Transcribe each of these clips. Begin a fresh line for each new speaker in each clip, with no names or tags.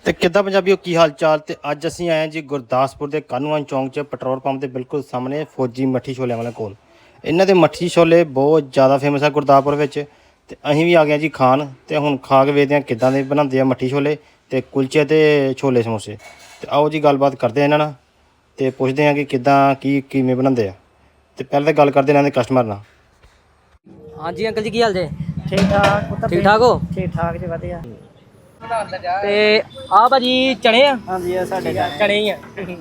ਤੇ ਕਿੱਦਾਂ ਪੰਜਾਬੀਓ ਕੀ ਹਾਲ ਚਾਲ। ਤੇ ਅੱਜ ਅਸੀਂ ਆਏ ਹਾਂ ਜੀ ਗੁਰਦਾਸਪੁਰ ਦੇ ਕਾਨੂੰਨ ਚੌਂਕ 'ਚ ਪੈਟਰੋਲ ਪੰਪ ਦੇ ਬਿਲਕੁਲ ਸਾਹਮਣੇ ਫੌਜੀ ਮੱਠੀ ਛੋਲਿਆਂ ਵਾਲੇ ਕੋਲ। ਇਹਨਾਂ ਦੇ ਮੱਠੀ ਛੋਲੇ ਬਹੁਤ ਜ਼ਿਆਦਾ ਫੇਮਸ ਆ ਗੁਰਦਾਸਪੁਰ ਵਿੱਚ। ਤੇ ਅਸੀਂ ਵੀ ਆ ਗਏ ਜੀ ਖਾਣ। ਤੇ ਹੁਣ ਖਾ ਕੇ ਵੇਖਦੇ ਹਾਂ ਕਿੱਦਾਂ ਦੇ ਬਣਾਉਂਦੇ ਆ ਮੱਠੀ ਛੋਲੇ ਤੇ ਕੁਲਚੇ ਤੇ ਛੋਲੇ ਸਮੋਸੇ। ਤੇ ਆਓ ਜੀ ਗੱਲਬਾਤ ਕਰਦੇ ਇਹਨਾਂ ਨਾਲ ਤੇ ਪੁੱਛਦੇ ਹਾਂ ਕਿ ਕਿੱਦਾਂ ਕਿਵੇਂ ਬਣਾਉਂਦੇ ਆ। ਤੇ ਪਹਿਲਾਂ ਤਾਂ ਗੱਲ ਕਰਦੇ ਇਹਨਾਂ ਦੇ ਕਸਟਮਰ ਨਾਲ।
ਹਾਂਜੀ ਅੰਕਲ ਜੀ, ਕੀ ਹਾਲ ਜੇ?
ਠੀਕ ਠਾਕ।
ਠੀਕ ਠਾਕ ਹੋ?
ਠੀਕ ਠਾਕ ਜੀ, ਵਧੀਆ।
ਤੇ ਆ ਭਾਜੀ ਚਣੇ ਆ?
ਹਾਂਜੀ, ਇਹ ਸਾਡੇ
ਚਣੇ ਹੀ ਆ।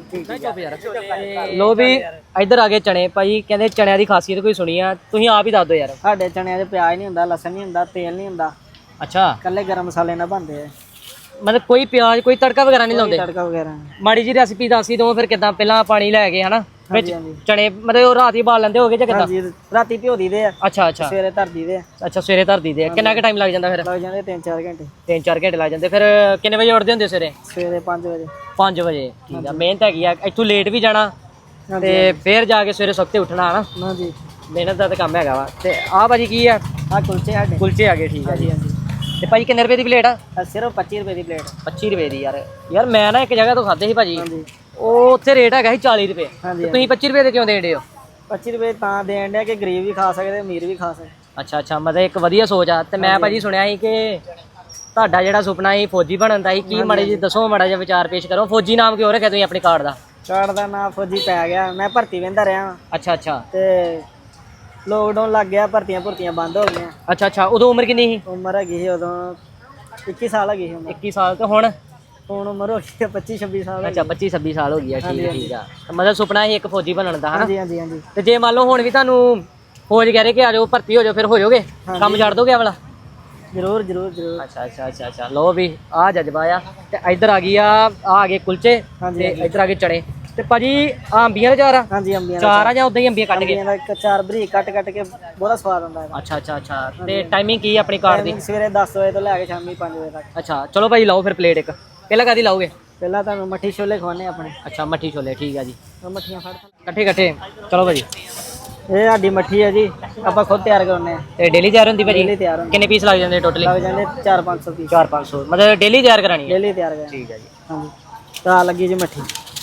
ਲੋ ਵੀ ਇੱਧਰ ਆ ਗਏ ਚਣੇ। ਭਾਜੀ ਕਹਿੰਦੇ ਚਣਿਆਂ ਦੀ ਖਾਸੀਅਤ ਕੋਈ ਸੁਣੀ ਆ, ਤੁਸੀਂ ਆਪ ਹੀ ਦੱਸ ਦਿਓ ਯਾਰ।
ਸਾਡੇ ਚਣਿਆਂ 'ਚ ਪਿਆਜ਼ ਨਹੀਂ ਹੁੰਦਾ, ਲਸਣ ਨਹੀਂ ਹੁੰਦਾ, ਤੇਲ ਨਹੀਂ ਹੁੰਦਾ,
ਅੱਛਾ,
ਇਕੱਲੇ ਗਰਮ ਮਸਾਲੇ ਨਾਲ ਬਣਦੇ ਆ।
ਮਤਲਬ ਕੋਈ ਪਿਆਜ਼ ਕੋਈ ਤੜਕਾ ਵਗੈਰਾ ਨਹੀਂ ਲਾਉਂਦੇ?
ਤੜਕਾ ਵਗੈਰਾ
ਮਾੜੀ ਜੀ ਰੈਸਿਪੀ ਦੱਸ ਹੀ ਦੋ ਫਿਰ। ਕਿੱਦਾਂ ਪਹਿਲਾਂ ਪਾਣੀ ਲੈ ਕੇ ਹਨਾ ਵਿੱਚ ਚਣੇ ਮਤਲਬ ਉਹ ਰਾਤ ਹੀ ਬਾਲ ਲੈਂਦੇ ਹੋਗੇ ਜਾਂ ਕਿੱਦਾਂ?
ਹਾਂਜੀ, ਰਾਤੀ ਭਿਓ ਦਈਦੇ ਆ।
ਅੱਛਾ ਅੱਛਾ,
ਸਵੇਰੇ ਧਰ ਦਈਦੇ ਆ।
ਅੱਛਾ ਸਵੇਰੇ ਧਰ ਦਈਦੇ ਆ। ਕਿੰਨਾ ਕੁ ਟਾਈਮ ਲੱਗ ਜਾਂਦਾ ਫਿਰ?
ਲੱਗ ਜਾਂਦੇ 3-4 ਘੰਟੇ।
3-4 ਘੰਟੇ ਲੱਗ ਜਾਂਦੇ। ਫਿਰ ਕਿੰਨੇ ਵਜੇ ਉੱਠਦੇ ਹੁੰਦੇ ਸਵੇਰੇ?
ਸਵੇਰੇ 5 ਵਜੇ।
5 ਵਜੇ। ਠੀਕ ਆ, ਮਿਹਨਤ ਹੈਗੀ ਆ। ਇੱਥੋਂ ਲੇਟ ਵੀ ਜਾਣਾ ਤੇ ਫਿਰ ਜਾ ਕੇ ਸਵੇਰੇ ਸੁੱਤੇ ਉੱਠਣਾ ਹਨਾ।
ਹਾਂਜੀ,
ਮਿਹਨਤ ਦਾ ਤਾਂ ਕੰਮ ਹੈਗਾ ਵਾ। ਤੇ ਆਹ ਭਾਜੀ ਕੀ ਆ?
ਆਹ ਕੁਲਚੇ ਸਾਡੇ।
ਕੁਲਚੇ ਆ ਗਏ। ਠੀਕ ਆ ਜੀ।
ਹਾਂਜੀ।
ਤੇ ਭਾਜੀ ਕਿੰਨੇ ਰੁਪਏ ਦੀ ਪਲੇਟ ਆ?
ਸਿਰਫ 25 ਰੁਪਏ ਦੀ ਪਲੇਟ।
25 ਰੁਪਏ ਦੀ। ਯਾਰ ਮੈਂ ਨਾ ਇੱਕ ਜਗ੍ਹਾ ਤੋਂ ਖਾਦੇ ਸੀ ਭਾਜੀ,
ਹਾਂਜੀ
ਉਹ ਉੱਥੇ ਰੇਟ ਹੈਗਾ ਸੀ 40 ਰੁਪਏ।
ਹਾਂਜੀ,
ਤੁਸੀਂ 25 ਰੁਪਏ ਦੇ ਕਿਉਂ ਦੇਣ ਡੇ ਹੋ?
25 ਰੁਪਏ ਤਾਂ ਦੇਣ ਡਿਆ ਕਿ ਗਰੀਬ ਵੀ ਖਾ ਸਕਦੇ, ਅਮੀਰ ਵੀ ਖਾ ਸਕਦੇ।
ਅੱਛਾ ਅੱਛਾ, ਮਤਲਬ ਇੱਕ ਵਧੀਆ ਸੋਚ ਆ। ਤੇ ਮੈਂ ਭਾਜੀ ਸੁਣਿਆ ਸੀ ਕਿ ਤੁਹਾਡਾ ਜਿਹੜਾ ਸੁਪਨਾ ਸੀ ਫੌਜੀ ਬਣਨ ਦਾ ਸੀ, ਕੀ ਮਾੜੇ ਜੀ ਦੱਸੋ, ਮਾੜਾ ਜਿਹਾ ਵਿਚਾਰ ਪੇਸ਼ ਕਰੋ। ਫੌਜੀ ਨਾਮ ਕਿਉਂ ਰੱਖਿਆ ਤੁਸੀਂ ਆਪਣੇ ਕਾਰਡ ਦਾ?
ਕਾਰਡ ਦਾ ਨਾਂ ਫੌਜੀ ਪੈ ਗਿਆ। ਮੈਂ ਭਰਤੀ ਵਹਿੰਦਾ ਰਿਹਾ
ਅੱਛਾ ਅੱਛਾ
ਤੇ ਲੋਕਡਾਊਨ ਲੱਗ ਗਿਆ, ਭਰਤੀਆਂ ਬੰਦ ਹੋ ਗਈਆਂ।
ਅੱਛਾ ਅੱਛਾ, ਉਦੋਂ ਉਮਰ ਕਿੰਨੀ ਸੀ?
ਉਮਰ ਹੈਗੀ ਸੀ ਉਦੋਂ 21 ਸਾਲ ਹੈਗੀ ਸੀ ਉਮਰ।
21 ਸਾਲ। ਤੇ ਹੁਣ?
ਹੁਣ ਉਮਰ ਹੋ ਗਈ 25-26 ਸਾਲ।
ਅੱਛਾ 25-26 ਸਾਲ ਹੋ ਗਈ ਆ। ਠੀਕ ਠੀਕ ਆ। ਮਤਲਬ ਸੁਪਨਾ ਸੀ ਇੱਕ ਫੌਜੀ ਬਣਨ ਦਾ ਹਨਾ?
ਹਾਂਜੀ ਹਾਂਜੀ ਹਾਂਜੀ।
ਤੇ ਜੇ ਮੰਨ ਲਓ ਹੁਣ ਵੀ ਤੁਹਾਨੂੰ ਫੌਜ ਕਹਿ ਰਹੇ ਕਿ ਆ ਜਾਓ ਭਰਤੀ ਹੋ ਜਾਓ, ਫਿਰ ਹੋ ਜਾਓਗੇ? ਕੰਮ ਛੱਡ ਦੋਗੇ ਵਾਲਾ?
ਜ਼ਰੂਰ ਜ਼ਰੂਰ ਜ਼ਰੂਰ।
ਅੱਛਾ ਅੱਛਾ ਅੱਛਾ ਅੱਛਾ, ਲਓ ਵੀ ਆ ਜਜ਼ਬਾ ਆ। ਤੇ ਇੱਧਰ ਆ ਗਈ ਆ ਗਏ ਕੁਲਚੇ ਤੇ ਇੱਧਰ ਆ ਗਏ ਚਣੇ। ਤੇ ਭਾਜੀ ਅੰਬੀਆਂ ਦੇ ਚਾਰ ਆ?
ਹਾਂਜੀ, ਅੰਬੀਆਂ
ਚਾਰ ਆ ਜਾਂ ਉਦਾਂ ਹੀ ਅੰਬੀਆਂ ਕੱਟ ਕੇ?
ਅੰਬੀਆਂ ਦਾ ਇੱਕ ਚਾਰ ਬਰੀਕ ਕੱਟ ਕੇ ਬਹੁਤਾ ਸਵਾਦ ਆਉਂਦਾ ਹੈ।
ਅੱਛਾ ਅੱਛਾ ਅੱਛਾ। ਤੇ ਟਾਈਮਿੰਗ ਕੀ ਆਪਣੀ ਕਾਰ ਦੀ?
ਸਵੇਰੇ 10 ਵਜੇ ਤੋਂ ਲੈ ਕੇ ਸ਼ਾਮੀ 5 ਵਜੇ ਤੱਕ।
ਅੱਛਾ ਚਲੋ ਭਾਈ ਲਾਓ ਫਿਰ ਪਲੇਟ ਇੱਕ। ਪਹਿਲਾਂ ਕਾਹਦੀ ਲਾਓਗੇ?
ਪਹਿਲਾਂ ਤੁਹਾਨੂੰ ਮੱਠੀ ਛੋਲੇ ਖਵਾਉਣੇ ਆਪਣੇ।
ਅੱਛਾ ਮੱਠੀ ਛੋਲੇ। ਠੀਕ ਆ ਜੀ,
ਉਹ ਮੱਠੀਆਂ ਫੜ
ਇਕੱਠੇ ਇਕੱਠੇ। ਚਲੋ ਭਾਜੀ,
ਇਹ ਸਾਡੀ ਮੱਠੀ ਹੈ ਜੀ, ਆਪਾਂ ਖੁਦ ਤਿਆਰ ਕਰਨੇ ਆ।
ਤੇ ਡੇਲੀ ਤਿਆਰ ਹੁੰਦੀ ਭਾਜੀ?
ਡੇਲੀ ਤਿਆਰ ਹੁੰਦੀ।
ਕਿੰਨੇ ਪੀਸ ਲੱਗ ਜਾਂਦੇ ਟੋਟਲੀ?
ਲੱਗ ਜਾਂਦੇ 400-500 ਪੀਸ।
400-500 ਮਤਲਬ ਡੇਲੀ ਤਿਆਰ ਕਰਾਣੀ ਹੈ?
ਡੇਲੀ ਤਿਆਰ ਕਰਨੀ।
ਠੀਕ ਹੈ ਜੀ।
ਹਾਂਜੀ, ਤਾਂ ਲੱਗੀ ਜੀ ਮੱਠੀ।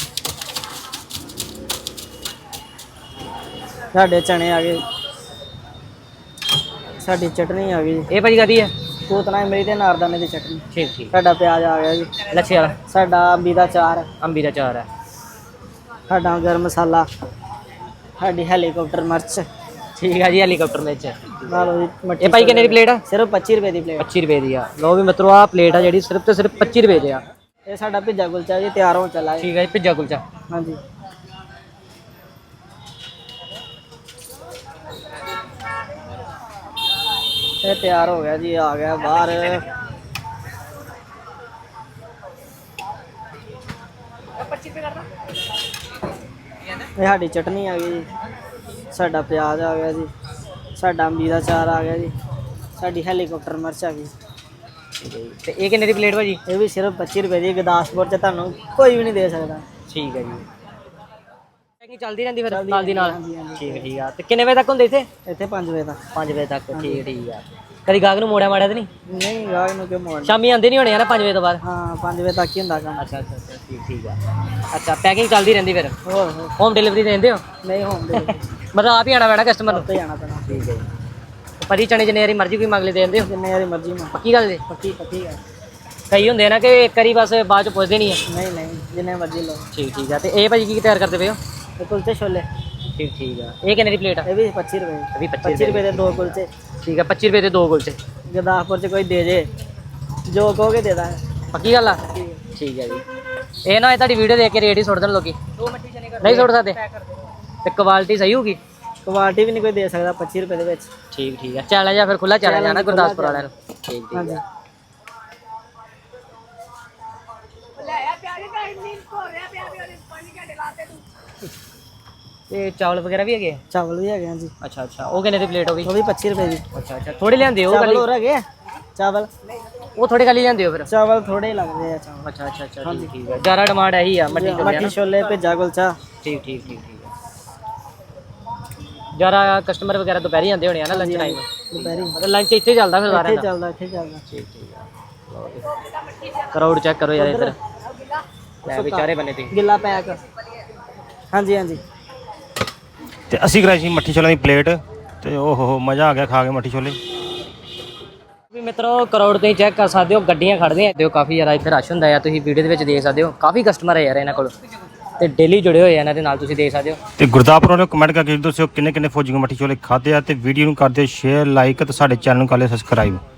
ਸਾਡੇ ਚਣੇ ਆ ਗਏ, ਸਾਡੀ ਚਟਨੀ ਆ ਗਈ।
ਇਹ ਭਾਜੀ ਕਾਹਦੀ ਹੈ?
ਪੂਤਨਾ ਇਮਲੀ ਤੇ ਨਾਰਦਾਨੇ ਦੀ ਚਟਨੀ।
ਠੀਕ ਠੀਕ।
ਸਾਡਾ ਪਿਆਜ਼ ਆ ਗਿਆ ਜੀ।
ਲੱਛੇ ਵਾਲਾ?
ਸਾਡਾ ਅੰਬੀ ਦਾ ਚਾਰ।
ਅੰਬੀ ਦਾ ਚਾਰ ਹੈ।
ਸਾਡਾ ਗਰਮ ਮਸਾਲਾ। ਸਾਡੀ ਹੈਲੀਕਾਪਟਰ ਮਿਰਚ।
ਠੀਕ ਆ ਜੀ, ਹੈਲੀਕਾਪਟਰ ਮਿਰਚ।
ਨਾਲ ਜੀ ਮੱਠੀ।
ਇਹ ਭਾਈ ਕਿੰਨੇ ਦੀ ਪਲੇਟ ਆ?
ਸਿਰਫ 25 ਰੁਪਏ ਦੀ ਪਲੇਟ।
25 ਰੁਪਏ ਦੀ ਆ। ਲਓ ਵੀ ਮਿੱਤਰੋ, ਆ ਪਲੇਟ ਆ ਜਿਹੜੀ ਸਿਰਫ ਤੇ ਸਿਰਫ 25 ਰੁਪਏ ਦੀ ਆ।
ਇਹ ਸਾਡਾ ਭਿੱਜਾ ਕੁਲਚਾ ਜੀ ਤਿਆਰ ਹੋਣ ਚੱਲਾ ਹੈ।
ਠੀਕ ਹੈ ਜੀ, ਭਿੱਜਾ ਕੁਲਚਾ।
ਹਾਂਜੀ, ਇਹ ਤਿਆਰ ਹੋ ਗਿਆ ਜੀ, ਆ ਗਿਆ ਬਾਹਰ। ਇਹ ਸਾਡੀ ਚਟਨੀ ਆ ਗਈ ਜੀ, ਸਾਡਾ ਪਿਆਜ਼ ਆ ਗਿਆ ਜੀ, ਸਾਡਾ ਅੰਬੀ ਦਾ ਚਾਰ ਆ ਗਿਆ ਜੀ, ਸਾਡੀ ਹੈਲੀਕਾਪਟਰ ਮਿਰਚ ਆ ਗਈ।
ਤੇ ਇਹ ਕਿੰਨੇ ਦੀ ਪਲੇਟ ਭਾਜੀ?
ਇਹ ਵੀ ਸਿਰਫ 25 ਰੁਪਏ ਦੀ। ਗੁਰਦਾਸਪੁਰ 'ਚ ਤੁਹਾਨੂੰ ਕੋਈ ਵੀ ਨਹੀਂ ਦੇ ਸਕਦਾ।
ਠੀਕ ਹੈ ਜੀ। ਪੈਕਿੰਗ ਚੱਲਦੀ ਰਹਿੰਦੀ ਫਿਰ ਨਾਲ ਦੀ ਨਾਲ?
ਹਾਂਜੀ ਹਾਂਜੀ।
ਠੀਕ ਠੀਕ ਆ। ਤੇ ਕਿੰਨੇ ਵਜੇ ਤੱਕ ਹੁੰਦੇ ਇੱਥੇ?
ਇੱਥੇ 5 ਵਜੇ ਤੱਕ।
5 ਵਜੇ ਤੱਕ। ਠੀਕ ਠੀਕ ਆ। ਕਦੀ ਗਾਹਕ ਨੂੰ ਮੋੜਿਆ ਮਾੜਿਆ ਤੇ ਨਹੀਂ?
ਨਹੀਂ, ਗਾਹਕ ਨੂੰ ਕਿਉਂ ਮੋੜਨਾ।
ਸ਼ਾਮੀ ਆਉਂਦੇ ਨਹੀਂ ਹੋਣੇ ਆ ਨਾ 5 ਵਜੇ ਤੋਂ ਬਾਅਦ?
ਹਾਂ, 5 ਵਜੇ ਤੱਕ ਹੀ ਹੁੰਦਾ ਕੰਮ।
ਅੱਛਾ ਅੱਛਾ ਅੱਛਾ, ਠੀਕ ਠੀਕ ਆ। ਅੱਛਾ, ਪੈਕਿੰਗ ਚੱਲਦੀ ਰਹਿੰਦੀ ਫਿਰ?
ਹੋਰ
ਹੋਮ ਡਿਲੀਵਰੀ ਦਿੰਦੇ ਹੋ?
ਨਹੀਂ ਹੁੰਦੇ।
ਮਤਲਬ ਆਪ ਹੀ ਆਣਾ ਪੈਣਾ ਕਸਟਮਰ ਨੂੰ?
ਉੱਤੇ ਜਾਣਾ ਪੈਣਾ।
ਠੀਕ ਹੈ ਜੀ। ਭਾਜੀ ਚਣੇ ਜਿੰਨੇ ਵਾਰੀ ਮਰਜ਼ੀ ਕੋਈ ਮੰਗ ਲੈ ਦੇ ਦਿੰਦੇ ਹੋ?
ਜਿੰਨੇ ਵਾਰੀ ਮਰਜ਼ੀ ਮੈਂ।
ਪੱਕੀ ਗੱਲ ਜੀ?
ਪੱਕੀ ਹੈ।
ਕਈ ਹੁੰਦੇ ਨਾ ਕਿ ਇੱਕ ਵਾਰੀ ਬਸ ਬਾਅਦ ਚ ਪੁੱਛਦੇ ਨਹੀਂ ਹੈ।
ਨਹੀਂ ਨਹੀਂ, ਜਿੰਨੇ ਮਰਜ਼ੀ ਲਓ।
ਠੀਕ ਠੀਕ ਆ। ਤੇ ਇਹ ਭਾਜੀ ਕੀ ਤਿਆਰ ਕਰਦੇ ਪਏ ਹੋ?
ਇਹ ਕੁਲਚੇ ਛੋਲੇ।
ਠੀਕ ਠੀਕ ਆ। ਇਹ ਕਿੰਨੇ ਦੀ ਪਲੇਟ ਆ?
ਇਹ ਵੀ 25 ਰੁਪਏ।
ਇਹ ਵੀ
25 ਰੁਪਏ ਦੇ 2 ਕੁਲਚੇ।
ਠੀਕ ਆ, 25 ਰੁਪਏ ਦੇ 2 ਕੁਲਚੇ।
ਗੁਰਦਾਸਪੁਰ 'ਚ ਕੋਈ ਦੇ ਜੇ, ਜੋ ਕਹੋਗੇ ਦੇ ਦਾਂ।
ਪੱਕੀ ਗੱਲ ਆ? ਠੀਕ ਹੈ ਜੀ। ਇਹ ਨਾ ਇਹ ਤੁਹਾਡੀ ਵੀਡੀਓ ਦੇਖ ਕੇ ਰੇਟ ਹੀ ਸੁੱਟ ਦੇਣ ਲੋਕੀ? ਨਹੀਂ ਸੁੱਟ ਸਕਦੇ? ਤੇ ਕੁਆਲਿਟੀ ਸਹੀ ਹੋਊਗੀ?
ਕੁਆਲਿਟੀ ਵੀ ਨਹੀਂ ਕੋਈ ਦੇ ਸਕਦਾ 25 ਰੁਪਏ ਦੇ ਵਿੱਚ।
ਠੀਕ ਠੀਕ ਆ। ਚੈਲੰਜ ਆ ਫਿਰ, ਖੁੱਲਾ ਚੈਲੰਜ ਆ ਨਾ ਗੁਰਦਾਸਪੁਰ ਵਾਲਿਆਂ ਨੂੰ? ਠੀਕ ਠੀਕ
ਹਾਂਜੀ।
ਆ। ਤੇ ਚਾਵਲ ਵਗੈਰਾ ਵੀ ਹੈਗੇ?
ਚਾਵਲ ਵੀ ਹੈਗੇ ਹਾਂਜੀ।
ਅੱਛਾ ਅੱਛਾ, ਉਹ ਕਿੰਨੇ ਦੀ ਪਲੇਟ ਹੋ ਗਈ?
ਉਹ ਵੀ 25 ਰੁਪਏ ਦੀ।
ਅੱਛਾ ਅੱਛਾ, ਥੋੜੇ ਲਿਆਂਦੇ ਹੋ?
ਚਾਵਲ ਹੋਰ ਹੈਗੇ। ਚਾਵਲ
ਉਹ ਥੋੜੇ ਖਾਲੀ ਲਿਆਂਦੇ ਹੋ ਫਿਰ?
ਚਾਵਲ ਥੋੜੇ ਹੀ ਲੱਗਦੇ ਆ ਚਾਵਲ।
ਅੱਛਾ ਅੱਛਾ ਅੱਛਾ, ਠੀਕ ਠੀਕ ਆ। ਜ਼ਿਆਦਾ ਡਿਮਾਂਡ ਇਹੀ ਆ
ਮੱਠੀ ਛੋਲੇ, ਭਿੱਜਾ ਕੁਲਚਾ।
ਠੀਕ ਠੀਕ ਠੀਕ ਠੀਕ ਆ। ਜ਼ਿਆਦਾ ਕਸਟਮਰ ਵਗੈਰਾ ਦੁਪਹਿਰੀ ਆਉਂਦੇ ਹੋਣੇ ਆ ਨਾ ਲੰਚ ਟਾਈਮ?
ਦੁਪਹਿਰੀ
ਮਤਲਬ ਲੰਚ ਇੱਥੇ ਚੱਲਦਾ ਫਿਰ ਸਾਰਿਆਂ
ਇੱਥੇ
ਦਾ?
ਚੱਲਦਾ, ਇੱਥੇ ਚੱਲਦਾ।
ਠੀਕ ਠੀਕ ਆ। ਕਰਾਊਡ ਚੈੱਕ ਕਰੋ ਯਾਰ ਇੱਧਰ ਲੈ ਵਿਚਾਰੇ ਬੰਨੇ ਤੇ
ਗਿੱਲਾ ਪੈਕ ਹਾਂਜੀ ਹਾਂਜੀ
ਤੇ ਅਸੀਂ ਕਰਾਈ ਸੀ ਮੱਠੀ ਛੋਲਿਆਂ ਦੀ ਪਲੇਟ ਤੇ ਓਹੋ ਮਜ਼ਾ ਆ ਗਿਆ ਖਾ ਕੇ ਮੱਠੀ ਛੋਲੇ।
ਵੀ ਮਿੱਤਰੋ ਕਰਾਊਡ ਤੁਸੀਂ ਚੈੱਕ ਕਰ ਸਕਦੇ ਹੋ, ਗੱਡੀਆਂ ਖੜਦੀਆਂ ਦਿਓ ਕਾਫੀ ਜ਼ਿਆਦਾ ਇੱਥੇ ਰਸ਼ ਹੁੰਦਾ ਆ, ਤੁਸੀਂ ਵੀਡੀਓ ਦੇ ਵਿੱਚ ਦੇਖ ਸਕਦੇ ਹੋ ਕਾਫੀ ਕਸਟਮਰ ਹੈ ਯਾਰ ਇਹਨਾਂ ਕੋਲ ਤੇ ਡੇਲੀ ਜੁੜੇ ਹੋਏ ਆ ਇਹਨਾਂ ਦੇ ਨਾਲ, ਤੁਸੀਂ ਦੇਖ ਸਕਦੇ ਹੋ।
ਤੇ ਗੁਰਦਾਸਪੁਰ ਵਾਲਿਓ ਕਮੈਂਟ ਕਰਕੇ ਦੱਸਿਓ ਕਿੰਨੇ ਕਿੰਨੇ ਫੌਜੀ ਮੱਠੀ ਛੋਲੇ ਖਾਦੇ ਆ ਤੇ ਵੀਡੀਓ ਨੂੰ ਕਰ ਦਿਓ ਸ਼ੇਅਰ ਲਾਈਕ ਤੇ ਸਾਡੇ ਚੈਨਲ ਨੂੰ ਕਰ ਲਿਓ ਸਬਸਕ੍ਰਾਈਬ।